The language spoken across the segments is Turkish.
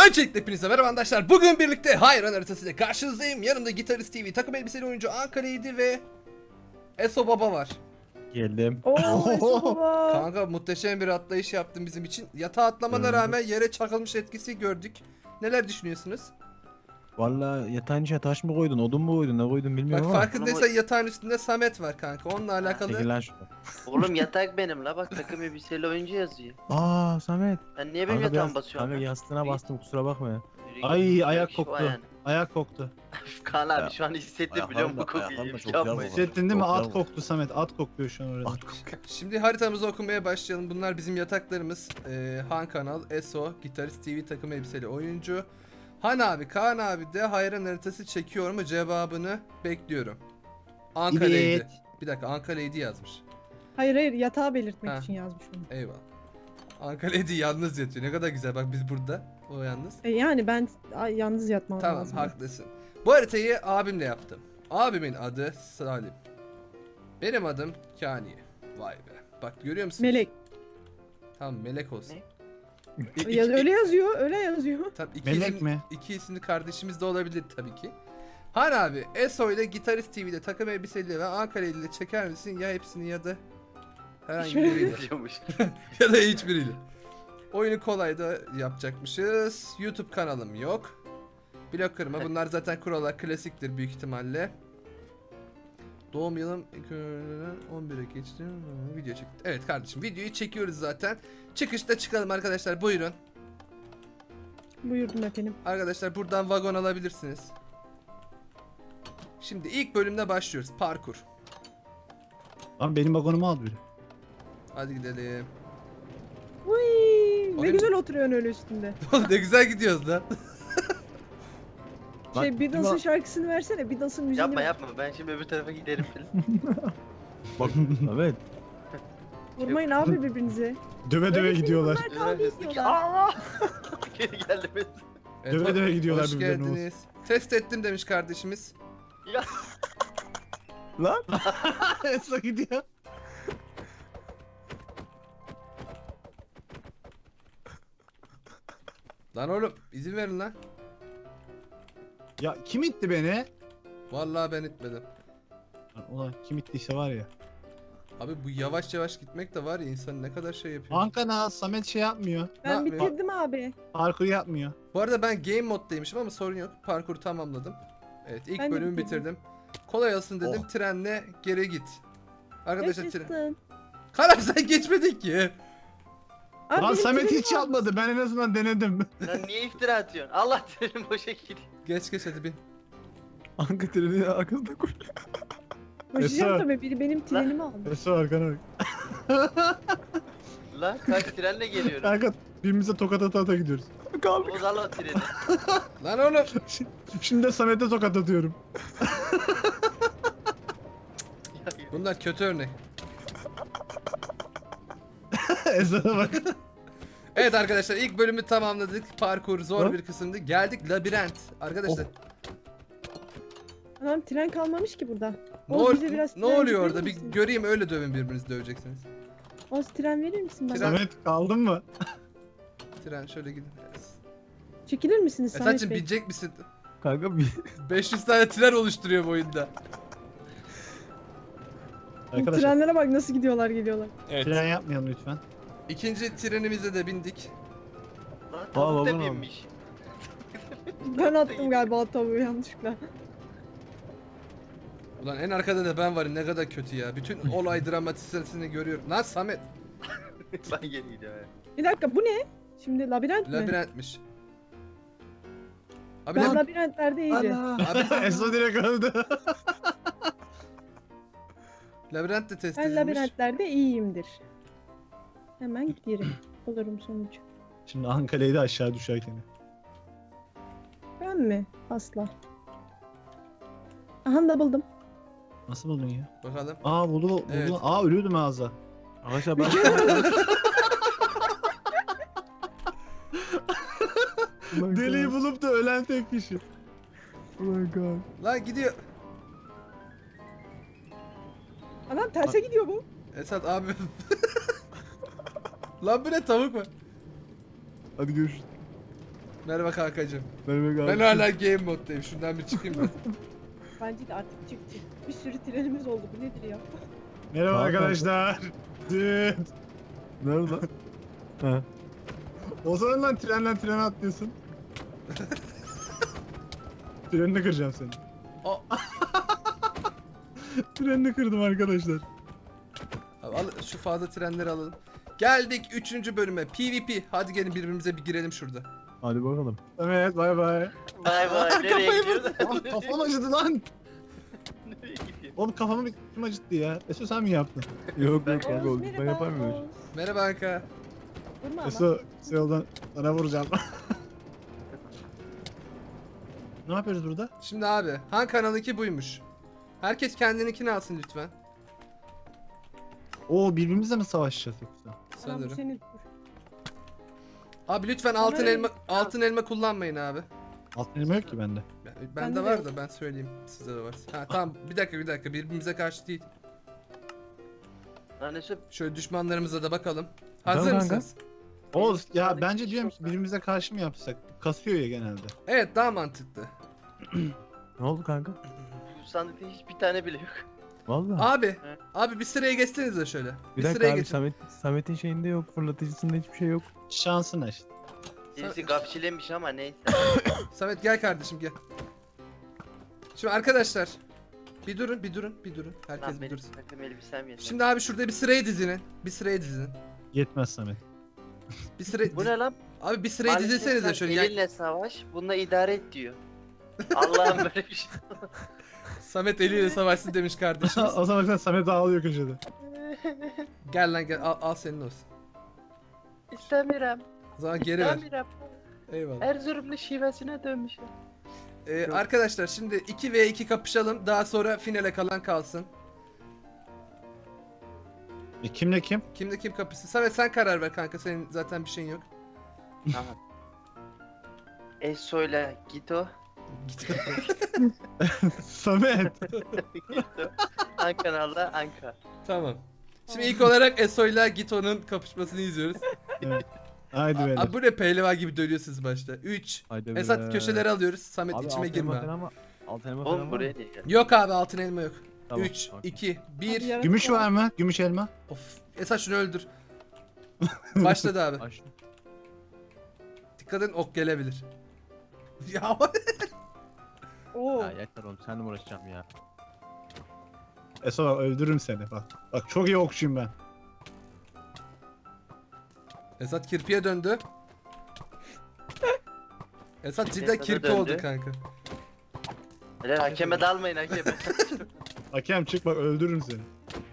Öncelikle hepinize merhaba arkadaşlar. Bugün birlikte Hayran haritası ile karşınızdayım. Yanımda Gitarist TV, takım elbiseli oyuncu Ankara'ydı ve Eso Baba var. Geldim. Oo, Eso baba. Kanka muhteşem bir atlayış yaptın bizim için. Yatağa atlamana rağmen yere çakılmış etkisi gördük. Neler düşünüyorsunuz? Vallahi yatağın içine taş mı koydun, odun mu koydun, ne koydun Bak bilmiyorum ama. farkındaysan yatağın üstünde Samet var kanka. Onunla alakalı. Çekil lan şuradan. Oğlum yatak benim la, bak takım elbiseyle oyuncu yazıyor. Aa Samet. Sen niye benim Kanka, yatağıma basıyorsun? kanka lan? yastığına bastım, kusura bakma ya. Yürü Ay, git, ayak şu koktu. ayağını. Ayak koktu. Kaan abi şu an hissettim biliyor musun bu kokuyu? ayaklarım da çok Yapma. yağmur. Hissettin değil mi? Çok At yağmur. koktu Samet. At kokluyor şu an orada. At koktu. Şimdi haritamızı okumaya başlayalım. Bunlar bizim yataklarımız. Han Kanal, Eso, Gitarist TV, takım elbiseli oyuncu. Han abi, Kaan abi de hayran haritası çekiyor mu cevabını bekliyorum. Ankara'ydı. Evet. Bir dakika, Ankara'ydı yazmış. Hayır yatağı belirtmek Ha. için yazmış onu. Eyvallah. Ankara'ydı yalnız yatıyor. Ne kadar güzel, bak biz burada. O yalnız. Yani ben yalnız yatmam Tamam, lazım. haklısın. Bu haritayı abimle yaptım. Abimin adı Salim. Benim adım Kani. Vay be. Bak görüyor musun? Melek. Tamam, Melek olsun. Ne? Öyle yazıyor, öyle yazıyor. Tabii Melek mi? İki isimli kardeşimiz de olabilir tabii ki. Han abi, Eso ile Gitarist TV'de takım elbiseli ve Ankara ile çeker misin? Ya hepsini ya da herhangi biriyle. Diyormuş. Ya da hiçbiriyle. Oyunu kolay da yapacakmışız. YouTube kanalım yok. Blok kırma. Bunlar zaten kurallar klasiktir büyük ihtimalle. Doğum yılım 11'e geçti. Video çekti. Evet kardeşim, videoyu çekiyoruz zaten. Çıkışta çıkalım arkadaşlar, buyurun. Buyurdum efendim. Arkadaşlar buradan vagon alabilirsiniz. Şimdi ilk bölümde başlıyoruz. Parkur. Lan benim vagonumu al biri. Hadi gidelim. Uy, ne Oyun- güzel oturuyorsun öyle üstünde. Oğlum ne güzel gidiyoruz lan. Lan, Şey Beatles'ın şarkısını versene. Beatles'ın müziğini. Yapma yapma, ben şimdi öbür tarafa giderim falan. Bak Samet. Vurmayın abi birbirinize. Döve döve Öyle gidiyorlar. filmler kavga Hızlı ki ediyorlar. Allah! Geri geldim. Evet, Döve döve gidiyorlar hoş birbirlerine. geldiniz. Test ettim demiş kardeşimiz. Ya Lan. Esra gidiyor. Lan oğlum izin verin lan. Ya kim itti beni? Vallahi ben itmedim. Lan ulan kim ittiyse var ya. Abi bu yavaş yavaş gitmek de var ya, insan ne kadar şey yapıyor. Ankara Samet şey yapmıyor. Ben yapıyor? bitirdim abi. Parkur yapmıyor. Bu arada ben game moddaymışım ama sorun yok. Parkuru tamamladım. Evet, ilk Ben de bölümü bitirdim. bitirdim. Kolay olsun dedim. Oh. Trenle geri git. Arkadaşlar tren. Yaşasın. Karam sen geçmedin ki. Abi Lan benim Samet trenim hiç var. yapmadı. Ben en azından denedim. lan niye iftira atıyorsun? Allah trenim boşa gidiyor. Geç hadi bin. Anka treni arkasında koy. Koşacağım Esra. tabii. Biri benim trenimi aldı. Esra arkana bak. Lan kaç trenle geliyorum. Kanka birbirimize tokat ata ata gidiyoruz. Kaldık. Bozal o treni. Lan oğlum. Şimdi de Samet'e tokat atıyorum. Bunlar kötü örnek. Esra'ya bak. Evet arkadaşlar, ilk bölümü tamamladık. Parkur zor Ha? bir kısımdı. Geldik labirent. Arkadaşlar Adam tren kalmamış ki burada. ne, Oğuz, ol- bize biraz ne tren oluyor verir orada? Bir misin? göreyim, öyle dövün, birbirinizi döveceksiniz. Oz tren verir misin bana? Tren- Samet kaldın mı? Tren şöyle gidin. Çekilir misiniz Samet Esaçım Bey? binecek misin? Kanka bir 500 tane tren oluşturuyor bu oyunda. Arkadaşlar Trenlere bak nasıl gidiyorlar geliyorlar. Evet. tren yapmayalım lütfen. İkinci trenimize de bindik. Lan Aa, tavuk da vagon binmiş. Ben attım galiba tavuğu yanlışlıkla. Ulan en arkada da ben varım, ne kadar kötü ya. Bütün olay dramatisini görüyorum. Lan Samet. Ben geri gidiyorum. ya. Bir dakika bu ne? Şimdi labirent mi? Labirentmiş. Abi Ben lab- labirentlerde iyiyim. abi Esra direkt öldü. labirent de test Ben edilmiş. labirentlerde iyiyimdir. Hemen giderim. Olurum sonuç. Şimdi Ankara'yı da aşağı düşerken. Ben mi? Asla. Aha da buldum. Nasıl buldun ya? Bakalım. Aa buldu. Evet. Aa ölüyordum ağza. Arkadaşlar ben Deliği bulup da ölen tek kişi. Ulan kanka. Lan gidiyor. Adam terse gidiyor bu. Esat abi. Lan bu ne, tavuk var. Hadi görüşürüz. Merhaba kankacığım. Merhaba Ben hala game moddayım. Şundan bir çıkayım ben. Bence de artık çık çık. Bir sürü trenimiz oldu. Bu nedir ya? Merhaba Tamam, arkadaşlar. Düt. Nerede lan? Ha. O zaman lan trenden trene atlıyorsun. Trenini kıracağım seni. O, Trenini kırdım arkadaşlar. abi al, şu fazla trenleri alalım. Geldik 3. bölüme. PvP. Hadi gelin birbirimize bir girelim şurada. Hadi bakalım. Evet bay bay. Bay bay nereye Kafayı gidiyorsun? Lan kafam acıdı lan. Nereye gidiyorsun? Oğlum kafamı kim acıttı ya? Eso sen mi yaptın? Yok Ben- yok kanka Oğuz, ben yapar mıyım? Oğuz. Merhaba Anka. Vurma ama. Eso yoldan sana vuracağım. Ne yapıyoruz burada? Şimdi abi Han kanalınki buymuş. Herkes kendininkini alsın lütfen. Oo birbirimizle mi savaşacağız yoksa? Anam bu Sanırım. senin. Abi lütfen altın Kamerayı- elma kullanmayın abi. Altın elma yok ki bende. Bende Bende de var yok. da ben söyleyeyim. Sizde de var. Ha tamam bir dakika birbirimize karşı değil. Lan Esra Şöyle düşmanlarımıza da bakalım. Tamam Hazır kanka. mısınız? Oğuz ya Sağdaki bence kişi diyorum yok ki lan. birbirimize karşı mı yapsak? Kasıyor ya genelde. Evet daha mantıklı. Ne oldu kanka? bu sandıkta hiçbir tane bile yok. Vallahi. Abi, Evet. abi bir sıraya geçsenize şöyle. Bir Bir dakika sıraya abi geçin. Samet'in şeyinde yok. Fırlatıcısında hiçbir şey yok. Şansına işte. Birisi gafçilemiş ama neyse. Samet gel kardeşim gel. Şimdi arkadaşlar bir durun. Herkes Lan bir benim dursun. takım elbisem yeter. Şimdi abi şurada bir sıraya dizinin. Bir sıraya dizin. Yetmez Samet. Bir sıraya Bu ne lan? Abi bir sıraya Maalesef dizilsenize sen şöyle. Ya, Elinle savaş, bununla idare et diyor. Allah'ım böyle bir şey. Samet eliyle savaşsın demiş kardeşimiz. O zaman sen Samet ağlıyor köşede. Gel lan gel al senin olsun. İstemiyorum. O zaman geri ver. İstemiyorum. Eyvallah. Erzurumlu şivesine dönmüşüm. Arkadaşlar şimdi 2v2 kapışalım. Daha sonra finale kalan kalsın. Kimle kim? Kimde kim kapışsın? Samet sen karar ver kanka. Senin zaten bir şeyin yok. Tamam. Eso'yla Gito. Samet. Gito. Ankara'da Anka. Tamam. Şimdi ilk olarak Eso'yla Gito'nun kapışmasını izliyoruz. Haydi beyler. Abi bu ne pehlivan gibi dönüyorsunuz başta. 3. Haydi Esat be. köşeleri alıyoruz. Samet Abi içime altın girme. elma falan ama. Altın elma falan Oğlum var buraya mı? değil. Yok abi altın elma yok. Tamam, 3, okey. 2, Hadi 1. yarın Gümüş sonra- var mı? Gümüş elma. Of. Esat şunu öldür. Başladı abi. Aç. Dikkat edin ok gelebilir. Ya Oo. Ya yeter oğlum seninle mi uğraşacağım ya. Eso bak öldürürüm seni bak. Bak çok iyi okçuyum ben. Esat kirpiye döndü. Esat cidden Esat'a kirpi döndü. oldu kanka. Helal hakeme dalmayın hakeme. Hakem çık bak öldürürüm seni.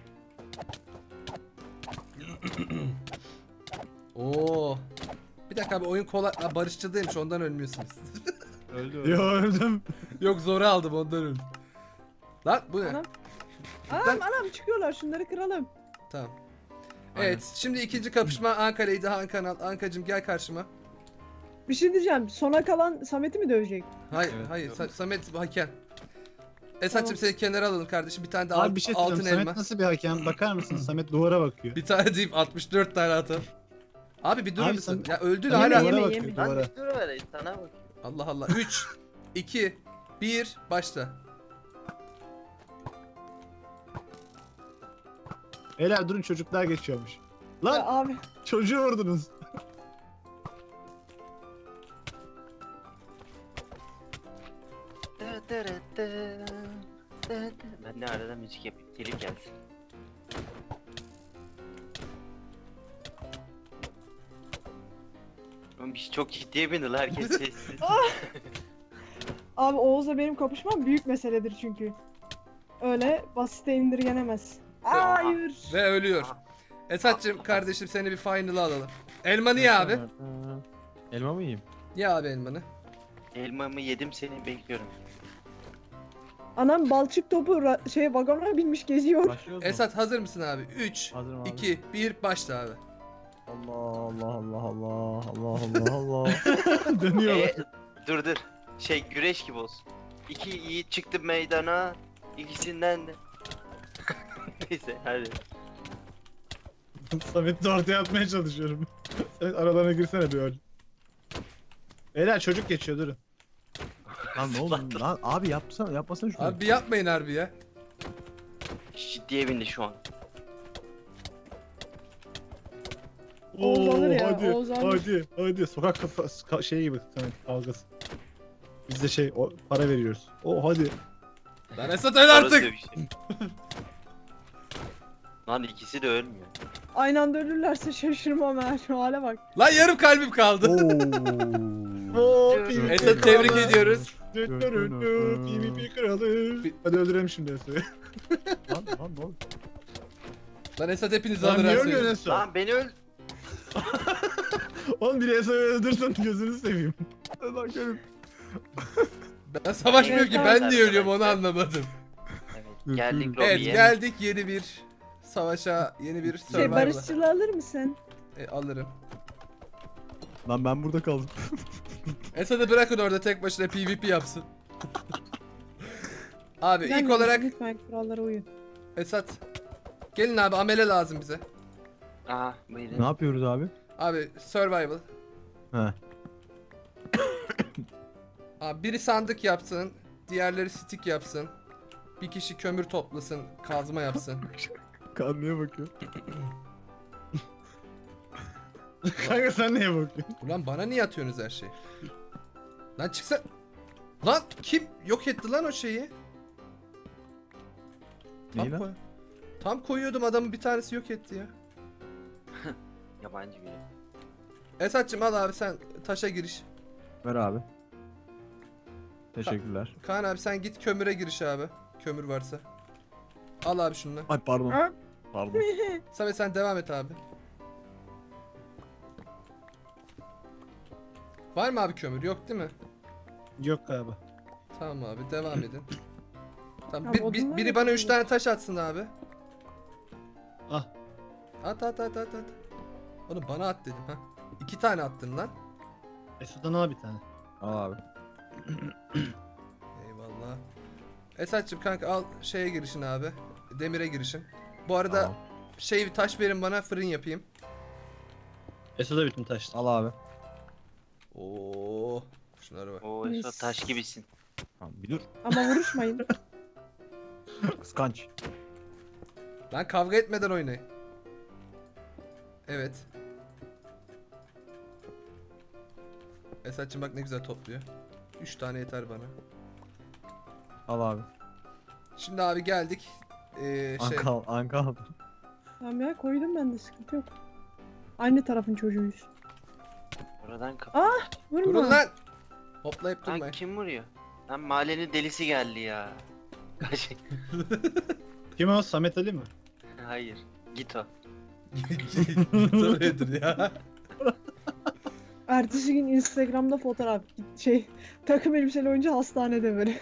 Oo. Bir dakika abi oyun kolay. Ha, barışçıl değilmiş ondan ölmüyorsunuz. Öldü Yo öldüm. Yok zora aldım ondan öldüm. Lan bu ne? Anam. Anam çıkıyorlar, şunları kıralım. Tamam. Aynen. Evet şimdi ikinci kapışma Ankara'ydı Han kanal. Ankacım gel karşıma. Bir şey diyeceğim, sona kalan Samet'i mi dövecek? Hayır Evet. hayır Samet hakem. Esat'cım Tamam. seni kenara alalım kardeşim. Bir tane de Abi bir şey altın söyleyeyim. elma. Samet nasıl bir hakem? Bakar mısın? Samet duvara bakıyor. Bir tane deyip 64 tane atalım. Abi bir durur Abi musun? sen- Ya öldü Samet hala. Yeme, duvara yeme. bakıyor Lan duvara. bir dur ver sana bak. Allah Allah. 3 2 1 başla. Beyler durun çocuklar geçiyormuş. Ya Lan abi. çocuğu vurdunuz. Ben de arada müzik yapayım. Telif gelsin. Oğlum bir şey çok ciddiye bindi lan herkes sessiz. Abi Oğuz'la benim kapışmam büyük meseledir çünkü. Öyle basite indirgenemez. Hayır. Ve ölüyor. Esat'cım kardeşim seni bir final'a alalım. Elmanı ye abi. Elma mı yiyeyim? Ye abi elmanı. Elmamı yedim seni bekliyorum. Anam balçık topu vagona binmiş geziyor. Başlıyoruz mu? Esat hazır mısın abi? 3 Hazırım abi. 2 1 başla abi. Allah Allah Allah Allah Allah Allah Allah. Dönüyorlar. Dur. Güreş gibi olsun. İki yiğit çıktı meydana. İkisinden de. Neyse hadi. Samet'i de ortaya atmaya çalışıyorum. Samet aralarına girsene bir öl. Beyler çocuk geçiyor durun. Lan ne oldu lan abi yapmasana şunu. Abi yapmayın harbi ya. Ciddiye bindi şu an. Oğuz alır ya, hadi, Oğuz alır. hadi. Sokak şey gibi kavgası. Biz de para veriyoruz. Hadi. Lan Esat öl Orası artık. bir şey. Lan ikisi de ölmüyor. Aynı anda ölürlerse şaşırmam ha. Şu hale bak. Lan yarım kalbim kaldı. Esat tebrik ediyoruz. PvP kralı. Hadi öldürelim şimdi Esat'ı. Lan ne oldu? Lan Esat hepinizi Lan alır niye her ölmüyorsun şeyi. Esat? Lan beni öl. Oğlum biri Esat'ı öldürsen gözünü seveyim. Lan gelin. Ben savaşmıyorum ki, ben niye ölüyorum onu Arkadaşlar. anlamadım. Evet, geldik Evet lobiye. geldik yeni bir savaşa, yeni bir Şey survival'a. barışçılı alır mısın? Alırım. Lan ben burada kaldım. Esat'ı bırakın orada tek başına PvP yapsın. Abi ilk Gelmeyin, olarak lütfen kurallara uyun. Esat. Gelin abi, amele lazım bize. Aha Ne buyurun. yapıyoruz abi? Abi survival. He. Abi biri sandık yapsın, diğerleri stick yapsın. Bir kişi kömür toplasın, kazma yapsın. Kanlıya bakıyor. Kanka sen neye bakıyorsun? Ulan bana niye atıyorsunuz her şeyi? Lan çıksa... Lan kim yok etti lan o şeyi? Neyi lan? Tam koyuyordum, adamın bir tanesi yok etti ya. Yabancı biri. Esat'cım al abi, sen taşa giriş. Ver abi. Teşekkürler. Kaan abi sen git kömüre giriş abi. Kömür varsa. Al abi şunu. Ay pardon. Ha? Pardon. Samet sen devam et abi. Var mı abi kömür? Yok değil mi? Yok galiba. Tamam abi devam edin. Tamam, Ya odunlar biri yok bana mu? 3 tane taş atsın abi. Ah. At. Oğlum bana at dedim ha. 2 tane attın lan. Esat'tan al bir tane. Al abi. Eyvallah. Esat'cım kanka al şeye girişin abi. Demire girişin. Bu arada Tamam. şey taş verin bana, fırın yapayım. Esat'a bütün taş. Al abi. Oo. Şunlara bak. Oo Esat taş gibisin. Tamam bir dur. Ama vuruşmayın. Kıskanç. Lan kavga etmeden oynayın. Evet. Esat'cım bak ne güzel topluyor. 3 tane yeter bana. Al abi. Şimdi abi geldik. Şey. Anka al. Tamam ya, koydum ben de, sıkıntı yok. Aynı tarafın çocuğuyuz. Oradan kapı. Vurma. Durun lan. Hoplayıp Lan durmayın. kim vuruyor? Lan mahallenin delisi geldi ya. Kaç- Kim o? Samet Ali mi? Hayır. Git o. Soruyordur ya. Ertesi gün Instagram'da fotoğraf. Şey, takım elbiseli oyuncu hastanede böyle.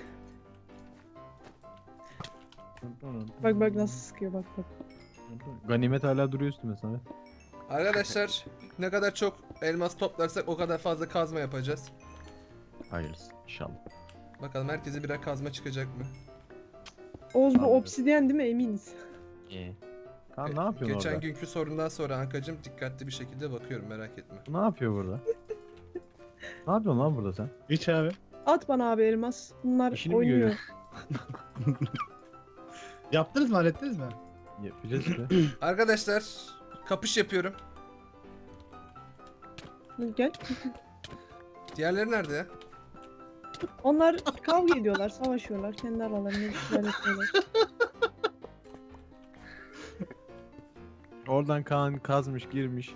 Bak nasıl sıkıyor, bak. Ganimet hala duruyor üstüme sana. Arkadaşlar ne kadar çok elmas toplarsak o kadar fazla kazma yapacağız. Hayırlısı inşallah. Bakalım herkese birer kazma çıkacak mı? Oğuz bu Anladım. obsidyen değil mi, eminiz? İyi. Kaan ne yapıyorsun Geçen orada? günkü sorundan sonra Ankacım dikkatli bir şekilde bakıyorum, merak etme. Ne yapıyor burada? Ne yapıyorsun lan burada sen? Hiç abi. At bana abi elmas. Bunlar İşini mi oynuyor. görüyorsun? Yaptınız mı? Hallettiniz mi? Yapacağız işte. Arkadaşlar kapış yapıyorum. Gel. Diğerleri nerede ya? Onlar kavga ediyorlar, savaşıyorlar. Kendi aralarında bir şeyler yapıyorlar. Oradan Kaan kazmış girmiş.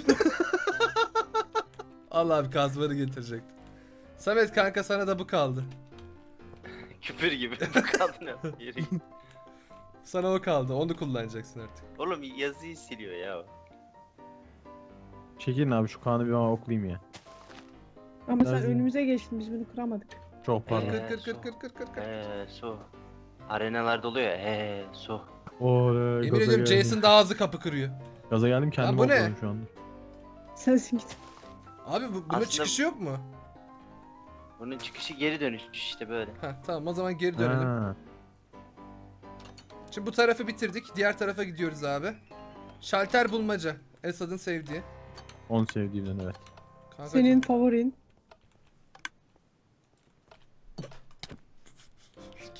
Allah abi kazmanı getirecektim. Samet kanka sana da bu kaldı. Küpür gibi. Kaldın ya. Yürü. Sana o kaldı, onu kullanacaksın artık. Oğlum yazıyı siliyor ya. Çekilin abi şu Kaan'ı bir bana oklayayım ya. Ama sen Lazım. önümüze geçtin, biz bunu kıramadık. Çok pardon. Kır. Su. Arenalarda oluyor ya. Su. Oley, Yemin ediyorum Jason daha hızlı kapı kırıyor. Gaza geldim kendimi bu ne? okladım şu anda. Sensin git. Abi bunun Aslında- çıkışı yok mu? Bunun çıkışı geri dönüş işte böyle. Heh, tamam o zaman geri dönelim. Ha, Şimdi bu tarafı bitirdik. Diğer tarafa gidiyoruz abi. Şalter bulmaca. Esad'ın sevdiği. onu sevdiğimden evet. Kankacığım, Senin favorin.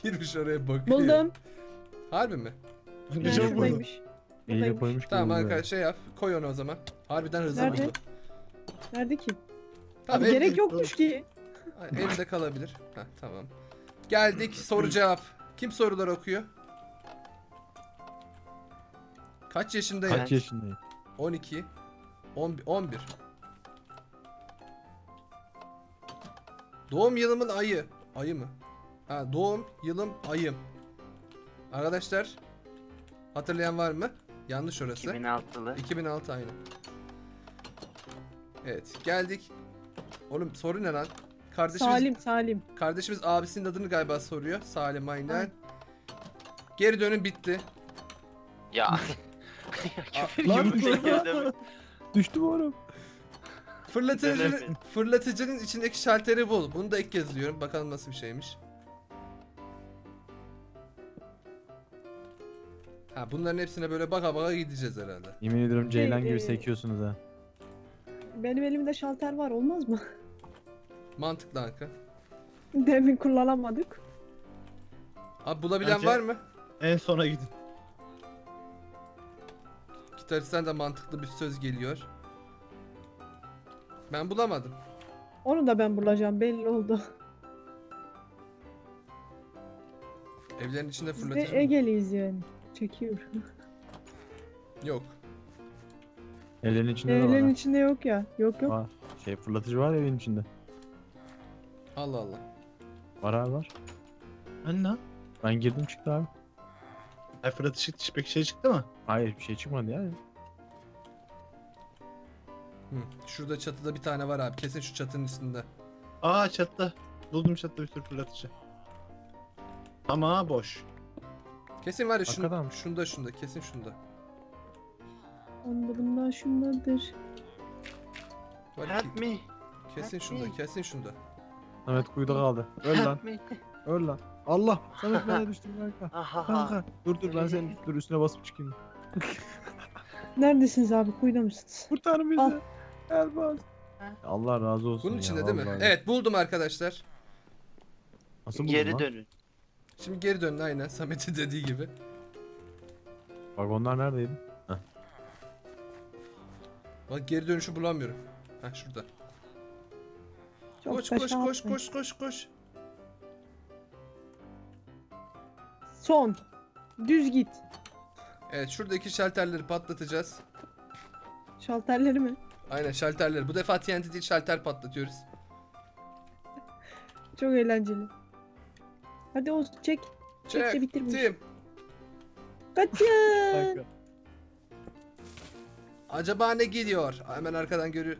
Girmiş oraya bakıyor. Buldum. Harbi mi? Yani Ne çabuk buldun. şuradaymış. Eliyle Buradaymış. koymuş gibi Tamam oluyor. arkadaş şey yap. Koy onu o zaman. Harbiden hızlı Nerede? buldu. Nerede ki? Tamam, Abi gerek el- yokmuş ki. Elimde kalabilir. Heh, tamam. Geldik soru cevap. Kim sorular okuyor? Kaç yaşındayım? Kaç yaşındayım? 12. 11. Doğum yılımın ayı. Ayı mı? Ha, doğum yılım ayım. Arkadaşlar hatırlayan var mı? Yanlış orası. 2006'lı. 2006 aynı. Evet geldik. Oğlum soru ne lan? Salim. Kardeşimiz abisinin adını galiba soruyor. Salim aynen. Ay. Geri dönün bitti. Ya. Küfür Lan gibi bir şey geldi mi? Düştüm oğlum. Fırlatıcının içindeki şalteri bul. Bunu da ilk kez diyorum. Bakalım nasıl bir şeymiş. Ha bunların hepsine böyle baka baka gideceğiz herhalde. Yemin ediyorum Ceylan Şey, gibi sekiyorsunuz ha. Benim elimde şalter var, olmaz mı? Mantıklı Anka. Demin kullanamadık. Abi bulabilen Bence- var mı? En sona gidin. Gitaristten de mantıklı bir söz geliyor. Ben bulamadım. Onu da ben bulacağım, belli oldu. Evlerin içinde Biz de fırlatıcı mı? Ege'liyiz yani. Çekiyor. Yok. Evlerin içinde de var. Evlerin ha. içinde yok ya. Yok yok. Var. Şey fırlatıcı var evin içinde. Allah Allah. Var abi var. Anne. Ben girdim çıktı abi. Ay Fırat Işık pek şey çıktı mı? Hayır bir şey çıkmadı ya. Hı. Şurada çatıda bir tane var abi. Kesin şu çatının üstünde. Aa çattı. Buldum çattı bir sürü fırlatıcı. Ama boş. Kesin var ya Hakikaten mi? şunda kesin şunda. Onda bundan şundadır. Var Help ki, me. kesin help şunda me. kesin şunda. Samet kuyuda kaldı. Öl lan. Help me. Öl lan. Allah. Samet bana düştüm kanka. Ahaha. Kanka. Dur ben senin dur üstüne basıp çıkayım. Neredesiniz abi? Kuyuda mısınız? Kurtar bizi. Al. Elbaz. Allah razı olsun Bunun ya, içinde değil mi? vallahi. Evet buldum arkadaşlar. Nasıl buldun Geri lan? dönün. Şimdi geri dönün aynen Samet'in dediği gibi. Vagonlar neredeydi? Bak geri dönüşü bulamıyorum. Heh şurada. Çok Koş da koş şey koş yapmayın. koş koş koş. Son. Düz git. Evet şuradaki şalterleri patlatacağız. Şalterleri mi? Aynen şalterleri. Bu defa TNT değil şalter patlatıyoruz. Çok eğlenceli. Hadi Oğuz çek. Çek de bitir bu işi. Çektim. Kaçın. Kanka. Acaba ne geliyor? Hemen arkadan görüyor.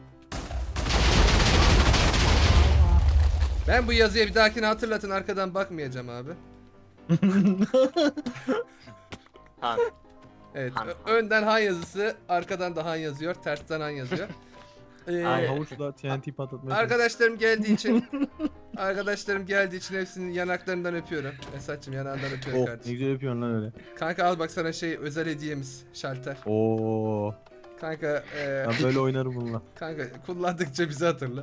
Ben bu yazıya bir dahakine hatırlatın arkadan bakmayacağım abi. Han. Evet Han. önden Han yazısı arkadan da Han yazıyor tersten Han yazıyor. Ay, Havuçla TNT patlatmaya Arkadaşlarım geldiği için hepsinin yanaklarından öpüyorum. Esat'cığım yanağından öpüyorum Oh ne kardeşim. güzel yapıyorsun lan öyle. Kanka al bak sana şey özel hediyemiz şalter. Oo. Kanka Ben böyle oynarım bununla. kanka kullandıkça bizi hatırla.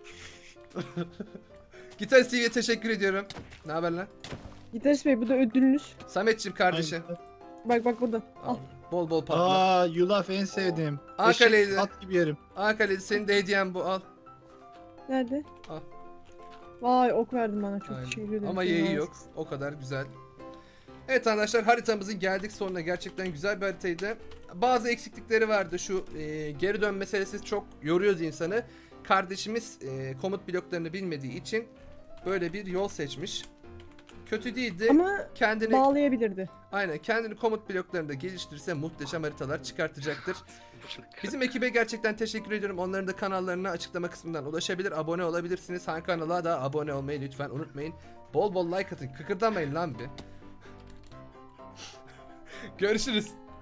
Gitarist TV'ye teşekkür ediyorum. Ne haber lan? Gitarist Bey bu da ödülünüz. Sametçim kardeşim. Bak burada. Al. Al. Bol bol patla. Aa yulaf en sevdiğim. Ankara'ydı. Eşek, at gibi yerim. Ankara'da senin de hediyen bu al. Nerede? Al. Vay ok verdin bana, çok Aynen. teşekkür ederim. Ama Çok yeği nazik. yok. O kadar güzel. Evet arkadaşlar haritamızın geldik sonuna. Gerçekten güzel bir haritaydı. Bazı eksiklikleri vardı. Şu geri dön meselesi çok yoruyoruz insanı. Kardeşimiz komut bloklarını bilmediği için böyle bir yol seçmiş. Kötü değildi. Ama Kendini bağlayabilirdi. aynen kendini komut bloklarında geliştirirse muhteşem haritalar çıkartacaktır. Bizim ekibe gerçekten teşekkür ediyorum. Onların da kanallarına açıklama kısmından ulaşabilir, abone olabilirsiniz. Han kanala da abone olmayı lütfen unutmayın. Bol bol like atın. Kıkırdamayın lan bir. Görüşürüz.